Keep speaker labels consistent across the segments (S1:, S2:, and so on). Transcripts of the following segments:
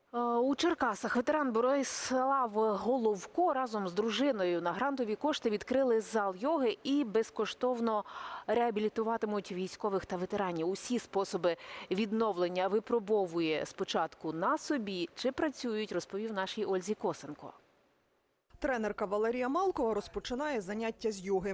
S1: У Черкасах ветеран Борислав Головко разом з дружиною на грантові кошти відкрили зал йоги і безкоштовно реабілітуватимуть військових та ветеранів. Усі способи відновлення випробовує спочатку на собі. Чи працюють, розповів нашій Ользі Косенко.
S2: Тренерка Валерія Малкова розпочинає заняття з йоги.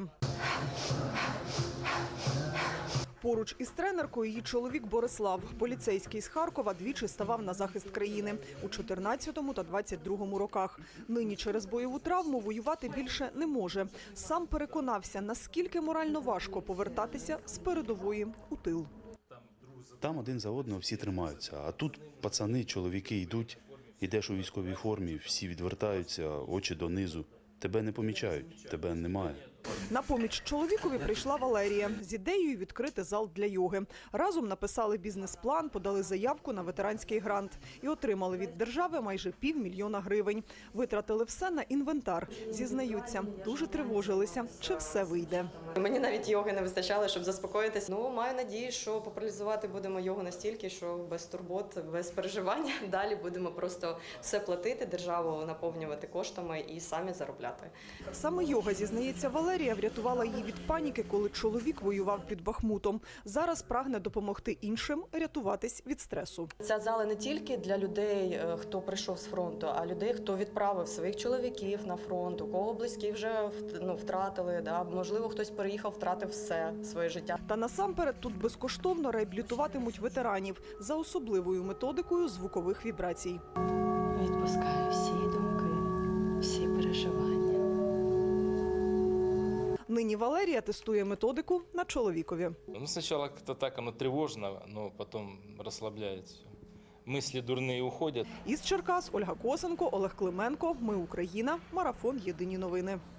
S2: Поруч із тренеркою її чоловік Борислав. Поліцейський з Харкова двічі ставав на захист країни у 14-му та 22-му роках. Нині через бойову травму воювати більше не може. Сам переконався, наскільки морально важко повертатися з передової у тил.
S3: Там один за одного всі тримаються, а тут пацани, чоловіки йдуть, йдеш у військовій формі, всі відвертаються, очі донизу. Тебе не помічають, тебе немає.
S2: На поміч чоловікові прийшла Валерія з ідеєю відкрити зал для йоги. Разом написали бізнес-план, подали заявку на ветеранський грант і отримали від держави майже 500 000 гривень. Витратили все на інвентар. Зізнаються, дуже тривожилися, чи все вийде.
S4: Мені навіть йоги не вистачало, щоб заспокоїтись. Маю надію, що популяризувати будемо йогу настільки, що без турбот, без переживання. Далі будемо просто все платити, державу наповнювати коштами і самі заробляти.
S2: Саме йога, зізнається Валерія, врятувала її від паніки, коли чоловік воював під Бахмутом. Зараз прагне допомогти іншим рятуватись від стресу.
S4: Ця зала не тільки для людей, хто прийшов з фронту, а людей, хто відправив своїх чоловіків на фронт, у кого близькі вже втратили, можливо, хтось переїхав, втратив все своє життя.
S2: Та насамперед тут безкоштовно реабілітуватимуть ветеранів за особливою методикою звукових вібрацій.
S4: Відпускаю всі думки, всі переживання.
S2: Нині Валерія тестує методику на чоловікові.
S5: Спочатку как-то так, оно тревожно, но потом расслабляет все. Мысли дурные уходят.
S2: Із Черкас Ольга Косенко, Олег Клименко. Ми Україна. Марафон. Єдині новини.